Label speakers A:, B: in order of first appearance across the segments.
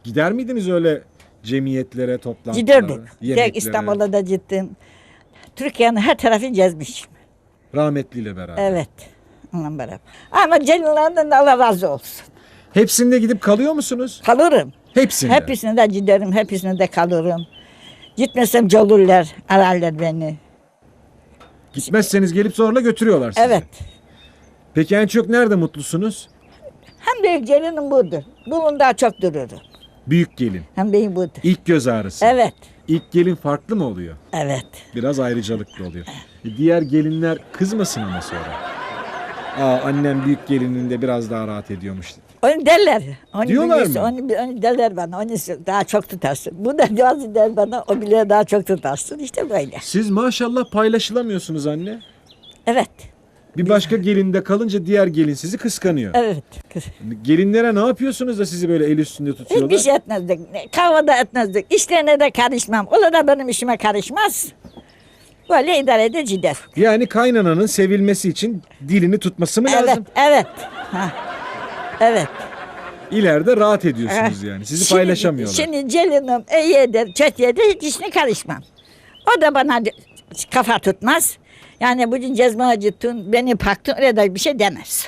A: Gider miydiniz öyle cemiyetlere, toplantılara,
B: Giderdik.
A: yemeklere?
B: Tek İstanbul'da da gittim. Türkiye'nin her tarafını gezmişim.
A: Rahmetliyle beraber.
B: Evet. Onunla beraber. Ama gelinlerden de Allah razı olsun.
A: Hepsinde gidip kalıyor musunuz?
B: Kalırım.
A: Hepsinde.
B: Hepsine de giderim, hepsine de kalırım. Gitmesem gelirler, ararlar beni.
A: Gitmezseniz gelip zorla götürüyorlar sizi.
B: Evet.
A: Peki en çok nerede mutlusunuz?
B: Hem büyük gelinim budur. Bunun daha çok dururum.
A: Büyük gelin.
B: Hem benim budur.
A: İlk göz ağrısı.
B: Evet.
A: İlk gelin farklı mı oluyor?
B: Evet.
A: Biraz ayrıcalıklı oluyor. Diğer gelinler kızmasın ama sonra. Annem büyük gelininde biraz daha rahat ediyormuş.
B: Onu derler. Onu
A: Diyorlar
B: bilirsin,
A: mı?
B: Onu derler bana. Onu daha çok tutarsın. Bu da bazı der bana. O bile daha çok tutarsın. İşte böyle.
A: Siz maşallah paylaşılamıyorsunuz anne.
B: Evet.
A: Bir başka gelinde kalınca diğer gelin sizi kıskanıyor.
B: Evet.
A: Gelinlere ne yapıyorsunuz da sizi böyle el üstünde tutuyorlar?
B: Hiçbir şey etmezdik. Kahvada etmezdik. İşlerine de karışmam. O da benim işime karışmaz. Böyle idare eder gider.
A: Yani kaynananın sevilmesi için dilini tutması mı
B: Evet.
A: lazım?
B: Evet. Ha. Evet.
A: İleride rahat ediyorsunuz yani. Sizi paylaşamıyorlar.
B: Şimdi gelinim iyi eder, kötü eder, hiç işine karışmam. O da bana kafa tutmaz. Yani bugün cezma acıttın, beni paktın, öyle de bir şey demez.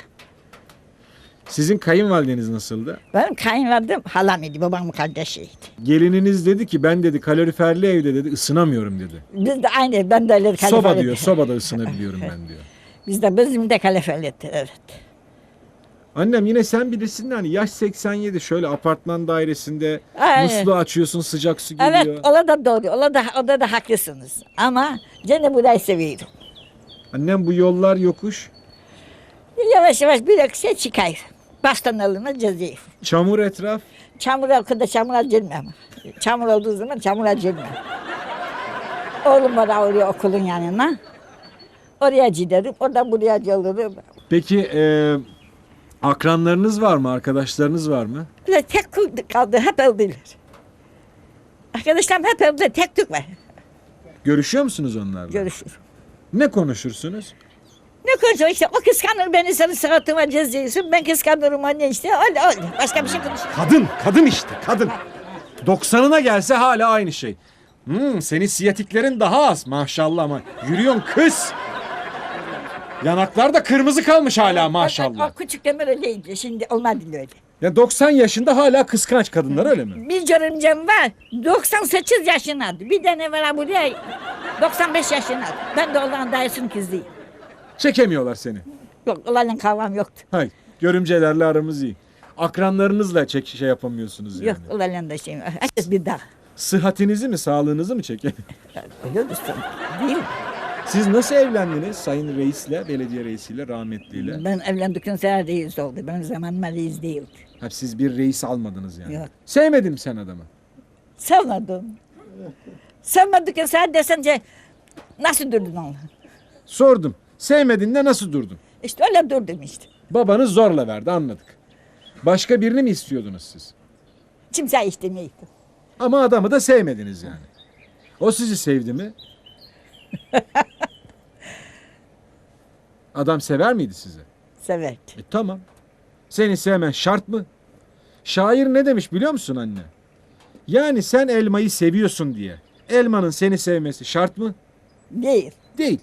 A: Sizin kayınvalideniz nasıldı?
B: Benim kayınvalidem halam idi, babamın kardeşiydi.
A: Gelininiz dedi ki ben dedi kaloriferli evde dedi ısınamıyorum dedi.
B: Biz de aynı, ben de öyle
A: Soba
B: kalefeliydi.
A: diyor, sobada ısınabiliyorum ben diyor.
B: Bizim de kalefeliydi, evet.
A: Annem yine sen bilirsin de hani yaş 87 şöyle apartman dairesinde
B: Aynen.
A: musluğu açıyorsun sıcak su geliyor.
B: Evet, o da doğru, o da haklısınız. Ama gene burayı seviyorum.
A: Annem bu yollar yokuş,
B: Yavaş yavaş bir şey çıkar. Baştan alınır cezayı.
A: çamur etraf.
B: Çamura girmem. Çamur olduğu zaman çamura girmem. Oğlum var oraya okulun yanına. Oraya giderim, oradan buraya gelirim.
A: Peki akranlarınız var mı, arkadaşlarınız var mı?
B: Öyle tek kul kaldı, hep öldüler. Arkadaşlarım hep öldü, tek tük var.
A: Görüşüyor musunuz onlarla?
B: Görüşür.
A: Ne konuşursunuz?
B: Ne konuşuyor işte, o kıskanır beni, senin sıratıma ceziyorsun, ben kıskanırım anne işte, öyle öyle. Başka bir şey konuşuyor.
A: Kadın işte, kadın. 90'ına gelse hala aynı şey. Senin siyatiklerin daha az maşallah ama yürüyorsun kız. Yanaklar da kırmızı kalmış hala maşallah.
B: O küçük demir öyleydi, şimdi olmadı öyle.
A: Ya 90 yaşında hala kıskanç kadınlar öyle mi?
B: Bir görümcem var, 98 yaşındadır. Bir tane var buraya, 95 yaşındadır. Ben de onların dayısının kızıyım.
A: Çekemiyorlar seni.
B: Yok, onlarla kavgam yoktu.
A: Hay, görümcelerle aramız iyi. Akranlarınızla şey yapamıyorsunuz yani.
B: Yok, onlarla da şey var. Herkes bir dağ.
A: Sıhhatinizi mi, sağlığınızı mı çekemiyor?
B: Öyle olursun, değil mi?
A: Siz nasıl evlendiniz sayın reisle, belediye reisiyle, rahmetliyle?
B: Ben evlendikten sonra reis oldu. Benim zamanıma reis değildi.
A: Ha, siz bir reis almadınız yani.
B: Yok.
A: Sevmedin mi sen adamı?
B: Sevmedim. Sevmedikten sonra desence nasıl durdun onu?
A: Sordum. Sevmedin de nasıl durdun?
B: İşte öyle durdum işte.
A: Babanız zorla verdi anladık. Başka birini mi istiyordunuz siz?
B: Kimse istemeydi.
A: Ama adamı da sevmediniz yani. O sizi sevdi mi? Adam sever miydi sizi?
B: Severdi.
A: Tamam. Seni sevmen şart mı? Şair ne demiş biliyor musun anne? Yani sen elmayı seviyorsun diye. Elmanın seni sevmesi şart mı?
B: Değil.
A: Değil.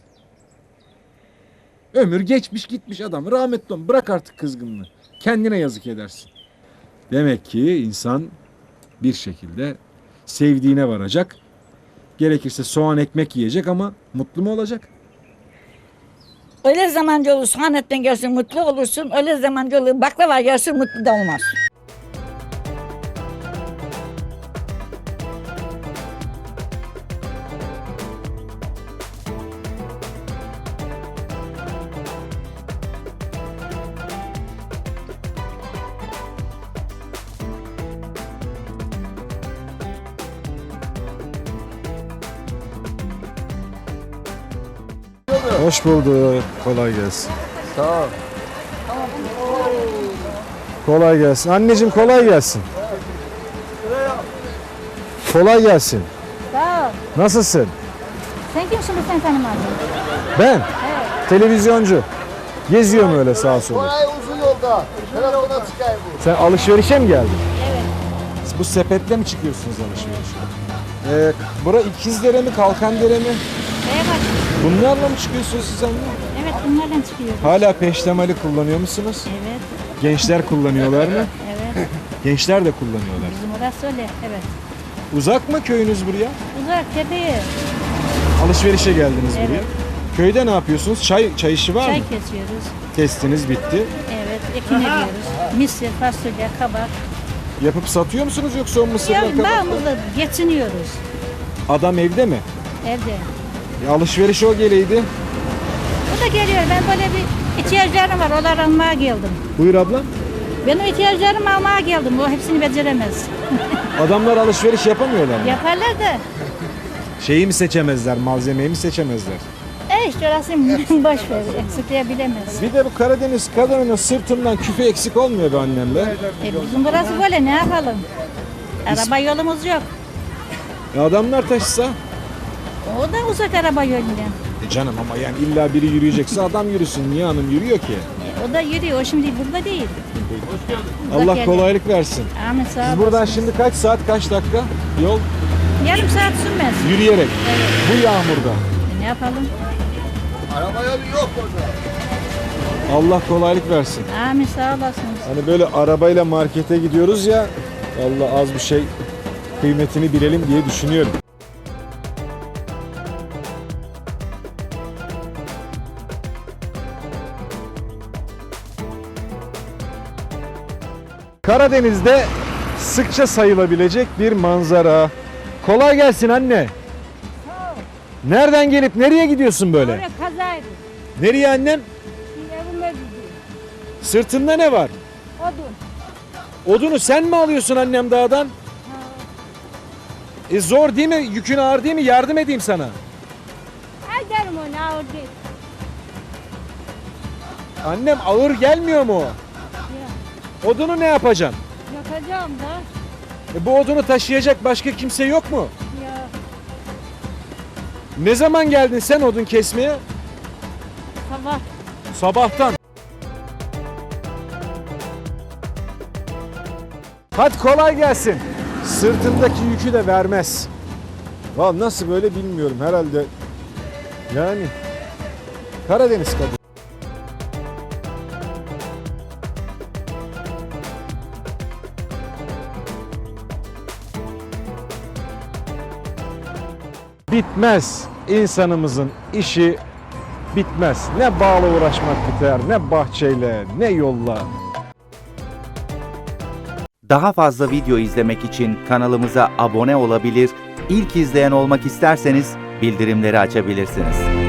A: Ömür geçmiş gitmiş adam. Rahmetli olmuş. Bırak artık kızgınlığı. Kendine yazık edersin. Demek ki insan bir şekilde sevdiğine varacak. Gerekirse soğan ekmek yiyecek ama mutlu mu olacak?
B: Öyle zamancı olur, soğan etten gelsin mutlu olursun. Öyle zamancı olur, baklava gelsin mutlu da olmaz.
C: Hoş bulduk. Kolay gelsin.
D: Sağ ol.
C: Kolay gelsin. Anneciğim kolay gelsin. Kolay gelsin.
E: Sağ ol.
C: Nasılsın?
E: Sen kimsin bu sen tanımadın?
C: Ben. Televizyoncu. Geziyorum öyle sağa sola.
D: Kolay uzun yolda. Telefona çıkayım bu.
C: Sen alışverişe mi geldin?
A: Bu sepetle mi çıkıyorsunuz alışverişe? Bura İkizdere mi, Kalkandere mi?
E: Evet.
A: Bunlarla mı çıkıyorsunuz siz anne?
E: Evet bunlardan çıkıyoruz.
A: Hala peştemali kullanıyor musunuz?
E: Evet.
A: Gençler kullanıyorlar mı?
E: Evet.
A: Gençler de kullanıyorlar.
E: Bizim orası öyle. Evet.
A: Uzak mı köyünüz buraya?
E: Uzak tepeye.
A: Alışverişe geldiniz
E: Evet.
A: buraya. Köyde ne yapıyorsunuz? Çay işi var
E: Çay
A: mı?
E: kesiyoruz.
A: Kestiniz, bitti.
E: Evet. Ekin ediyoruz. Misir, fasulye, kabak.
A: Yapıp satıyor musunuz yoksa o mısırlar
E: Ya
A: kabaklar?
E: bağımızda geçiniyoruz.
A: Adam evde mi?
E: Evde.
A: Alışveriş o geleydi.
E: O da geliyor. Ben böyle bir ihtiyaçlarım var. Onları almaya geldim.
A: Buyur abla.
E: Benim ihtiyaçlarımı almaya geldim. O hepsini beceremez.
A: Adamlar alışveriş yapamıyorlar mı?
E: Yaparlar da.
A: Şeyi mi seçemezler, malzemeyi mi seçemezler?
E: İşte orası boş ver. Eksikleyebilemez.
A: Bir de bu Karadeniz kadının sırtından küfe eksik olmuyor be annemle.
E: Bizim burası böyle ne yapalım? Araba yolumuz yok.
A: Adamlar taşısa.
E: O da uzak araba yolundan.
A: Canım ama yani illa biri yürüyecekse adam yürüsün. Niye hanım yürüyor ki?
E: O da yürüyor. O şimdi burada değil. Uzak
A: Allah
E: yerde.
A: kolaylık versin.
E: Amin sağ
A: Siz
E: olasın.
A: buradan şimdi kaç saat, kaç dakika yol?
E: Yarım saat sürmez.
A: Yürüyerek. Bu yağmurda.
E: Ne yapalım?
A: Allah kolaylık versin.
E: Amin sağ olasınız.
A: Hani böyle arabayla markete gidiyoruz ya. Allah az bir şey kıymetini bilelim diye düşünüyorum. Karadeniz'de sıkça sayılabilecek bir manzara. Kolay gelsin anne. Nereden gelip nereye gidiyorsun böyle?
E: Oraya kazaydı.
A: Nereye annem?
E: Evime gidiyor.
A: Sırtında ne var?
E: Odun.
A: Odunu sen mi alıyorsun annem dağdan? Zor değil mi? Yükün ağır değil mi? Yardım edeyim sana.
E: Ay derim onu ağır değil.
A: Annem ağır gelmiyor mu? o?
E: Ya,
A: Odunu ne yapacaksın?
E: yakacağım da.
A: Bu odunu taşıyacak başka kimse yok mu?
E: Ya
A: Ne zaman geldin sen odun kesmeye?
E: sabah.
A: Sabahtan. Hadi kolay gelsin. Sırtındaki yükü de vermez. Vallahi nasıl böyle bilmiyorum herhalde. Yani Karadeniz kadın. Bitmez. İnsanımızın işi bitmez. Ne bağla uğraşmak biter, ne bahçeyle, ne yolla.
D: Daha fazla video izlemek için kanalımıza abone olabilir, ilk izleyen olmak isterseniz bildirimleri açabilirsiniz.